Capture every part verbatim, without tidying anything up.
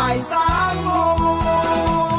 ายสามโมง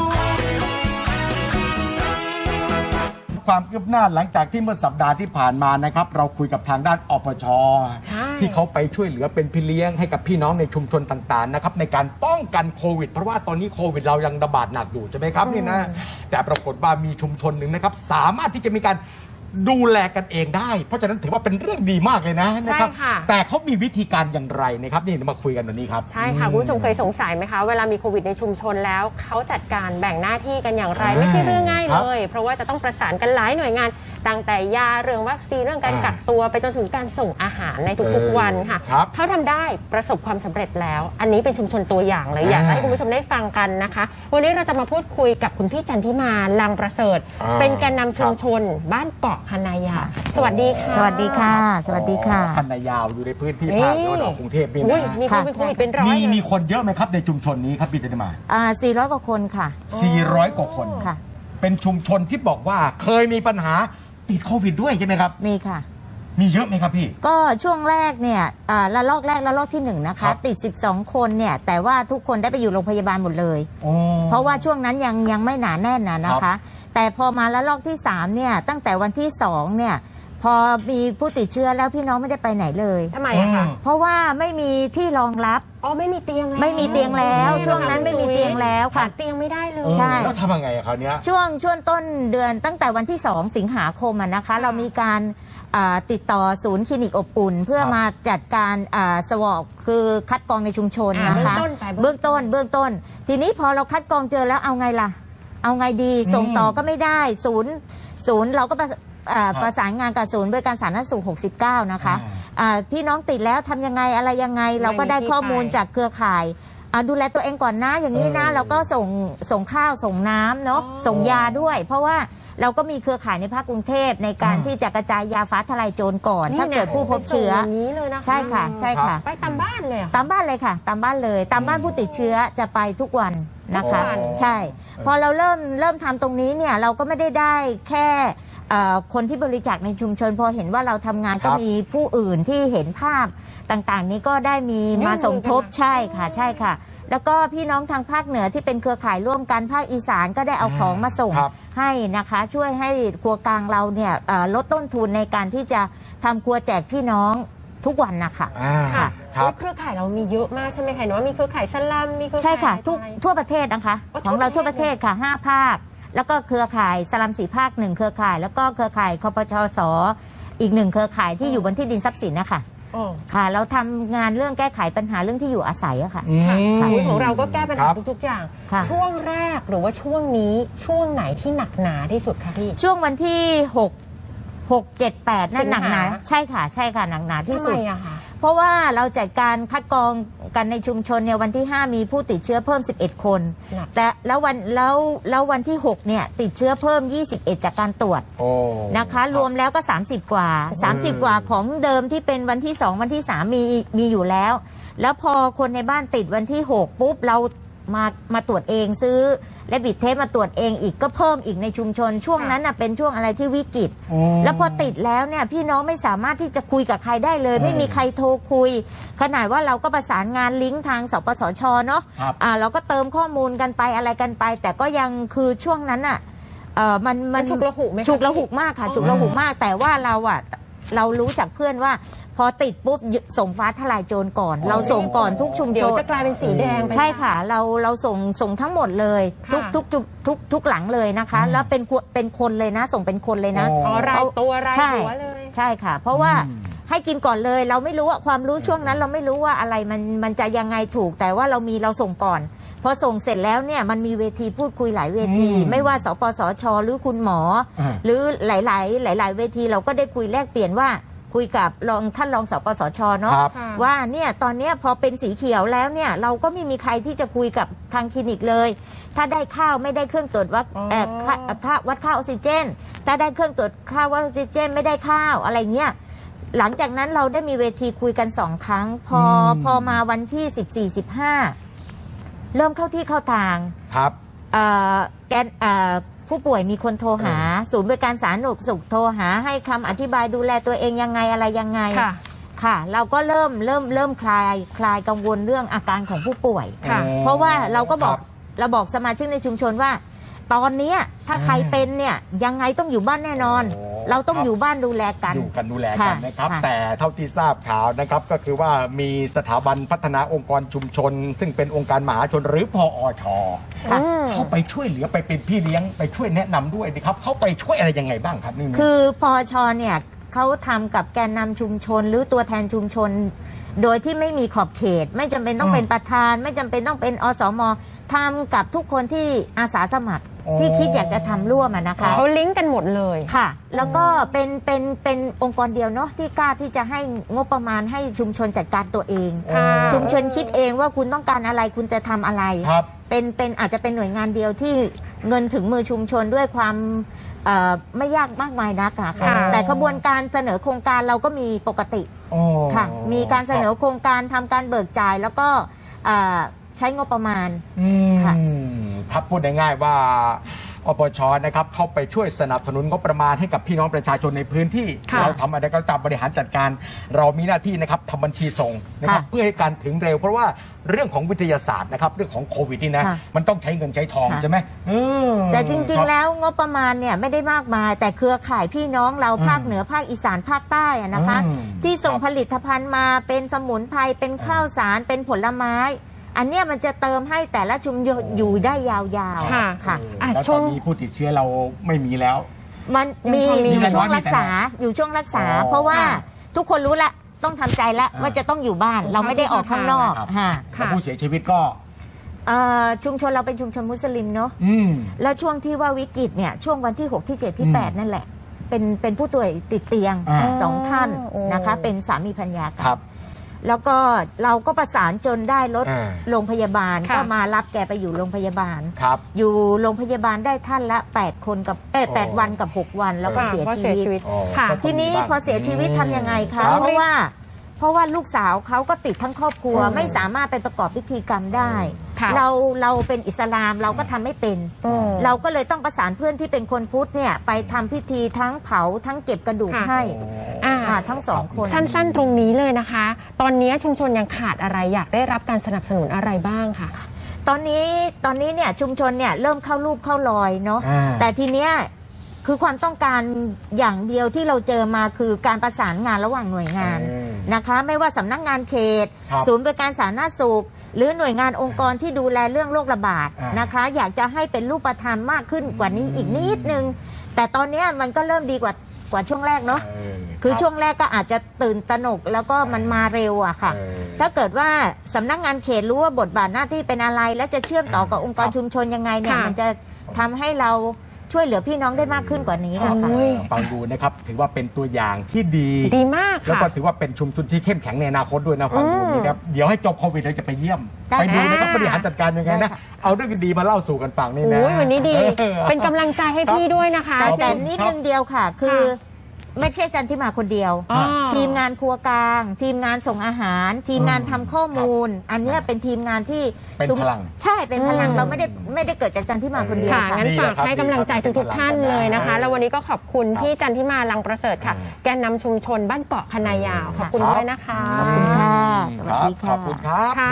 ความคืบหน้าหลังจากที่เมื่อสัปดาห์ที่ผ่านมานะครับเราคุยกับทางด้านอปช.ที่เขาไปช่วยเหลือเป็นพี่เลี้ยงให้กับพี่น้องในชุมชนต่างๆนะครับในการป้องกันโควิดเพราะว่าตอนนี้โควิดเรายังระบาดหนักอยู่ใช่ไหมครับนี่นะแต่ปรากฏว่ามีชุมชนหนึ่งนะครับสามารถที่จะมีการดูแลกันเองได้เพราะฉะนั้นถือว่าเป็นเรื่องดีมากเลยนะนะครับแต่เขามีวิธีการอย่างไรนะครับนี่มาคุยกันวันนี้ครับใช่ค่ะคุณผู้ชมเคยสงสัยไหมคะเวลามีโควิดในชุมชนแล้วเขาจัดการแบ่งหน้าที่กันอย่างไรไม่ใช่เรื่องง่ายเลยเพราะว่าจะต้องประสานกันหลายหน่วยงานตั้งแต่ยาเรื่องวัคซีนเรื่องการกักตัวไปจนถึงการส่งอาหารในทุกๆวันค่ะเขาทำได้ประสบความสำเร็จแล้วอันนี้เป็นชุมชนตัวอย่างเลยอยากให้คุณผู้ชมได้ฟังกันนะคะวันนี้เราจะมาพูดคุยกับคุณพี่จันทิมาลังประเสริฐเป็นแกนนำชุมชนบ้านเกาะคณายาสวัสดีค่ะสวัสดีค่ะสวัสดีค่ะคณายาวอยู่ในพื้นที่ภาคตะวันออกกรุงเทพนี่นะมีคนเป็นโควิดเป็นร้อยมีมีคนเยอะไหมครับในชุมชนนี้ครับพี่จันทิมาอ่าสี่ร้อยกว่าคนค่ะสี่ร้อยกว่าคนค่ะเป็นชุมชนที่บอกว่าเคยมีปัญหาติดโควิดด้วยใช่ไหมครับมีค่ะมีเยอะไหมครับพี่ก็ช่วงแรกเนี่ยระลอกแรกระลอกที่หนึ่งนะคะติดสิบสองคนเนี่ยแต่ว่าทุกคนได้ไปอยู่โรงพยาบาลหมดเลยเพราะว่าช่วงนั้นยังยังไม่หนาแน่นนะนะคะแต่พอมาระลอกที่สามเนี่ยตั้งแต่วันที่สองเนี่ยพอมีผู้ติดเชื้อแล้วพี่น้องไม่ได้ไปไหนเลยทำไมอะคะเพราะว่าไม่มีที่รองรับอ๋อไม่มีเตียงแล้วไม่มีเตียงแล้วช่วงนั้นไม่มีเตียงแล้วค่ะเตียงไม่ได้เลยใช่แล้วทำยังไงอะคราวนี้ช่วงช่วงต้นเดือนตั้งแต่วันที่สองสิงหาคมนะคะเรามีการติดต่อศูนย์คลินิกอบอุ่นเพื่อมาจัดการสวอปคือคัดกรองในชุมชนนะคะเบื้องต้นเบื้องต้นทีนี้พอเราคัดกรองเจอแล้วเอาไงล่ะเอาไงดีส่งต่อก็ไม่ได้ศูนย์ศูนย์เราก็ประสานงานกับศูนย์บริการสาธารณสุขหกสิบเก้านะคะพี่น้องติดแล้วทำยังไงอะไรยังไงเราก็ได้ข้อมูลจากเครือข่ายดูแลตัวเองก่อนนะอย่างนี้นะเราก็ส่งส่งข้าวส่งน้ำเนาะส่งยาด้วยเพราะว่าเราก็มีเครือข่ายในภาคกรุงเทพในการที่จะกระจายยาฟ้าทลายโจรก่อนถ้าเกิดผู้พบเชื้อใช่ค่ะใช่ค่ะไปตามบ้านเลยตามบ้านเลยค่ะตามบ้านเลยตามบ้านผู้ติดเชื้อจะไปทุกวันนะคะใช่พอเราเริ่มเริ่มทำตรงนี้เนี่ยเราก็ไม่ได้ได้แค่คนที่บริจาคในชุมชนพอเห็นว่าเราทำงานก็มีผู้อื่นที่เห็นภาพต่างๆนี้ก็ได้มีมาสมทบใช่ค่ะใช่ค่ะแล้วก็พี่น้องทางภาคเหนือที่เป็นเครือข่ายร่วมกันภาคอีสานก็ได้เอาของมาส่งให้นะคะช่วยให้ครัวกลางเราเนี่ยลดต้นทุนในการที่จะทำครัวแจกพี่น้องทุกวันนะคะค่ะเครือข่ายเรามีเยอะมากใช่ไหมคะว่ามีเครือข่ายสลัมมีเครือข่ายใช่ค่ะทุกทั่วประเทศนะคะของเราทั่วประเทศค่ะห้าภาคแล้วก็เครือข่ายสลัมสี่ภาคหนึ่งเครือข่ายแล้วก็เครือข่ายคปชสอีกหนึ่งเครือข่ายที่อยู่บนที่ดินทรัพย์สินนะคะค่ะเราทำงานเรื่องแก้ไขปัญหาเรื่องที่อยู่อาศัยอะค่ะของเราก็แก้ปัญหาทุกๆอย่างช่วงแรกหรือว่าช่วงนี้ช่วงไหนที่หนักหนาที่สุดคะพี่ช่วงวันที่หก หก เจ็ด แปดนั่นหนักหนาใช่ค่ะใช่ค่ะหนักหนาที่สุดเพราะว่าเราจัดการคัดกรองกันในชุมชนเนี่ยวันที่ห้ามีผู้ติดเชื้อเพิ่มสิบเอ็ดคนแต่แล้ววันแล้วแล้ววันที่หกเนี่ยติดเชื้อเพิ่มยี่สิบเอ็ดจากการตรวจนะคะรวมแล้วก็สามสิบกว่าสามสิบกว่าของเดิมที่เป็นวันที่สองวันที่สามมีมีอยู่แล้วแล้วพอคนในบ้านติดวันที่หกปุ๊บเรามามาตรวจเองซื้อและบิดเทปมาตรวจเองอีกก็เพิ่มอีกในชุมชนช่วงนั้นน่ะเป็นช่วงอะไรที่วิกฤตแล้วพอติดแล้วเนี่ยพี่น้องไม่สามารถที่จะคุยกับใครได้เลยไม่มีใครโทรคุยขนาดว่าเราก็ประสานงานลิงก์ทางสปสชเนาะอ่าเราก็เติมข้อมูลกันไปอะไรกันไปแต่ก็ยังคือช่วงนั้นอ่ะเออมันมันฉุกละหุกไหมฉุกละหุกมากค่ะฉุกละหุกมากแต่ว่าเราอ่ะเรารู้จากเพื่อนว่าพอติดปุ๊บส่งฟ้าทลายโจรก่อนเราส่งก่อนทุกชุมชนเดี๋ยวจะกลายเป็นสีแดงใช่ค่ะเราเราส่งส่งทั้งหมดเลยทุกทุกทุกทุกหลังเลยนะคะแล้วเป็นเป็นคนเลยนะส่งเป็นคนเลยนะอ๋อรายตัวรายหัวเลยใช่ค่ะเพราะว่าให้กินก่อนเลยเราไม่รู้ว่าความรู้ช่วงนั้นเราไม่รู้ว่าอะไรมันมันจะยังไงถูกแต่ว่าเรามีเราส่งก่อนพอส่งเสร็จแล้วเนี่ยมันมีเวทีพูดคุยหลายเวทีไม่ว่าสปสชหรือคุณหมอหรือหลายๆหลายๆเวทีเราก็ได้คุยแลกเปลี่ยนว่าคุยกับรองท่านรองสปสชเนาะว่าเนี่ยตอนนี้พอเป็นสีเขียวแล้วเนี่ยเราก็ไม่มีใครที่จะคุยกับทางคลินิกเลยถ้าได้ข้าวไม่ได้เครื่องตรวจวัดค่าวัดค่าออกซิเจนถ้าได้เครื่องตรวจค่าวัดออกซิเจนไม่ได้ข้าวอะไรเงี้ยหลังจากนั้นเราได้มีเวทีคุยกันสองครั้งพอพอมาวันที่สิบสี่ สิบห้าเริ่มเข้าที่เข้าทางครับแกนผู้ป่วยมีคนโทรหาศูนย์บริการสาธารณสุขโทรหาให้คำอธิบายดูแลตัวเองยังไงอะไรยังไงค่ะ เราก็เริ่มเริ่มเริ่มคลายคลายกังวลเรื่องอาการของผู้ป่วยค่ะเพราะว่าเราก็บอกครับเราบอกสมาชิกในชุมชนว่า ตอนเนี้ยถ้าใครเป็นเนี่ยยังไงต้องอยู่บ้านแน่นอนโอ้เราต้องครับอยู่บ้านดูแลกันอยู่กันดูแลกันค่ะนะครับค่ะแต่เท่าที่ทราบข่าวนะครับก็คือว่ามีสถาบันพัฒนาองค์กรชุมชน ซึ่งเป็นองค์การมหาชนหรือพอชค่ะเข้าไปช่วยเหลือไปเป็นพี่เลี้ยงไปช่วยแนะนำด้วยนะครับเข้าไปช่วยอะไรยังไงบ้างครับนี่คือพอชเนี่ยเขาทำกับแกนนำชุมชนหรือตัวแทนชุมชน โดยที่ไม่มีขอบเขต ไม่จำเป็นต้องเป็นประธาน ไม่จำเป็นต้องเป็นอสมทำกับทุกคนที่อาสาสมัครที่คิดอยากจะทำร่วมอะนะคะเขาลิงก์กันหมดเลยค่ะ แล้วก็เป็นเป็นเป็นองค์กรเดียวเนาะที่กล้าที่จะให้งบประมาณให้ชุมชนจัดการตัวเองค่ะชุมชนคิดเองว่าคุณต้องการอะไรคุณจะทำอะไรครับเป็นเป็นอาจจะเป็นหน่วยงานเดียวที่เงินถึงมือชุมชนด้วยความเอ่อไม่ยากมากมายนักอะค่ะค่ะแต่ขบวนการเสนอโครงการเราก็มีปกติโอ้ค่ะ มีการเสนอโครงการทำการเบิกจ่ายแล้วก็เอ่อใช้งบประมาณอืมค่ะครับพูดง่ายๆว่าอปชนะครับเข้าไปช่วยสนับสนุนงบประมาณให้กับพี่น้องประชาชนในพื้นที่ค่ะเราทำอะไรก็ตามบริหารจัดการ เรามีหน้าที่นะครับทำบัญชีส่งนะครับค่ะเพื่อให้การถึงเร็ว เพราะว่าเรื่องของวิทยาศาสตร์นะครับเรื่องของโควิดนี่นะค่ะมันต้องใช้เงินใช้ทองค่ะใช่ไหมอืมแต่จริงคๆบแล้วงบประมาณเนี่ยไม่ได้มากมาย แต่เครือข่ายพี่น้องเราอืมภาคเหนือภาคอีสานภาคใต้อะนะคะอืมที่ส่งครับผลิตภัณฑ์มาเป็นสมุนไพรเป็นข้าวสารเป็นผลไม้ อันเนี้ยมันจะเติมให้แต่ละชุมชนอยู่ได้ยาวๆค่ะค่ะเอออ่ะแล้วช่ตวอง นนี้ผู้ติดเชื้อเราไม่มีแล้วมันมียังพอมีอยู่ช่วงมีแต่น้อยรักษามีแต่น้อยอยู่ช่วงรักษาอ๋อเพราะว่าค่ะทุกคนรู้ละต้องทำใจละอ่าว่าจะต้องอยู่บ้าน เราไม่ได้ออกข้างนอกครับค่ะค่ะแล้วผู้เสียชีวิตก็เอ่อชุมชนเราเป็นชุมชนมุสลิมเนาะอืมแล้วช่วงที่ว่าวิกฤตเนี่ยช่วงวันที่หกที่เจ็ดที่อืมแปดนั่นแหละ เป็นเป็นผู้ป่วยติดเตียงอ่าสองท่านโอ้นะคะ เป็นสามีภรรยากัครันบแล้วก็เราก็ประสานจนได้รถอ่าโรงพยาบาลค่ะก็มารับแกไปอยู่โรงพยาบาลครับอยู่โรงพยาบาลได้ท่านละแปดคนกับเอ้ยโอ้แปดวันกับหกวันแล้วก็ค่ะเสียว่าชีเสียวิตชีวิตอ๋อค่ะก็ทีนี้ต้องมีบ้างพอเสียชีวิตทำยังไงคะครับเพราะว่า เพราะว่าลูกสาวเขาก็ติดทั้งครอบครัวอืมไม่สามารถไปประกอบพิธีกรรมได้ค่ะเราเราเป็นอิสลามเราก็ทำไม่เป็นอืมเราก็เลยต้องประสานเพื่อนที่เป็นคนพุทธเนี่ยไปทำพิธีทั้งเผาทั้งเก็บกระดูกค่ะให้อ่าค่ะทั้งสองคนสั้นๆ ตรงนี้เลยนะคะ ตอนนี้ชุมชนยังขาดอะไรอยากได้รับการสนับสนุนอะไรบ้างค่ะตอนนี้ตอนนี้เนี่ยชุมชนเนี่ยเริ่มเข้ารูปเข้ารอยเนาะอ่าแต่ทีเนี้ยคือความต้องการอย่างเดียวที่เราเจอมาคือการประสานงานระหว่างหน่วยงานอืมนะคะ ไม่ว่าสำนักงานเขตครับศูนย์บริการสาธารณสุข หรือหน่วยงานองค์กรที่ดูแลเรื่องโรคระบาดอ่านนะคะ อยากจะให้เป็นรูปธรรมมากขึ้นกว่านี้อีกนิดนึง แต่ตอนเนี้ยมันก็เริ่มดีกว่ากว่าช่วงแรกเนาะเออคือรับช่วงแรกก็อาจจะตื่นตระหนกแล้วก็มันมาเร็วอะค่ะเออถ้าเกิดว่าสำนักงานเขตรู้ว่าบทบาทหน้าที่เป็นอะไร และจะเชื่อมต่อกับองค์กรครับชุมชนยังไงเนี่ยค่ะมันจะทำให้เราช่วยเหลือพี่น้องได้มากขึ้นกว่านี้ครัอะบค่ะโอ้ยฟังดูนะครับถือว่าเป็นตัวอย่างที่ดีดีมากแล้วค่ะก็ถือว่าเป็นชุมชนที่เข้มแข็งในอนาคตด้วยนะฟังดูอืมนี่ครับเดี๋ยวให้จบโควิดเราจะไปเยี่ยมได้ไปดูนะครับค่ะบริหารจัดการยังไงได้นะค่ะเอาเรื่องดีๆมาเล่าสู่กันฟังนี่นะโอ้ยวันนี้ดีออเป็นกำลังใจให้พี่ด้วยนะคะแต่ครับแต่นิดนึงเดียวค่ะ คือ ไม่ใช่จันที่มาคนเดียวอ๋อทีมงานครัวกลาง ทีมงานส่งอาหาร ทีมงานทำข้อมูล อันเนี้ยเป็นทีมงานที่เป็นชุมพลังใช่เป็นพลังอืมเราไม่ได้ไม่ได้เกิดจากจันที่มาคนเดียวค่ะค่ะงั้นดีฝากนะครับให้กำลังใจดีครับทุกๆท่านเลยนะคะเออแล้ววันนี้ก็ขอบคุณครับพี่จันทิมาลังประเสริฐค่ะอืมแกนนำชุมชนบ้านเกาะคณะยาว ขอบคุณครับด้วยนะคะขอบคุณค่ะสวัสดีครับขอบคุณครับค่ะ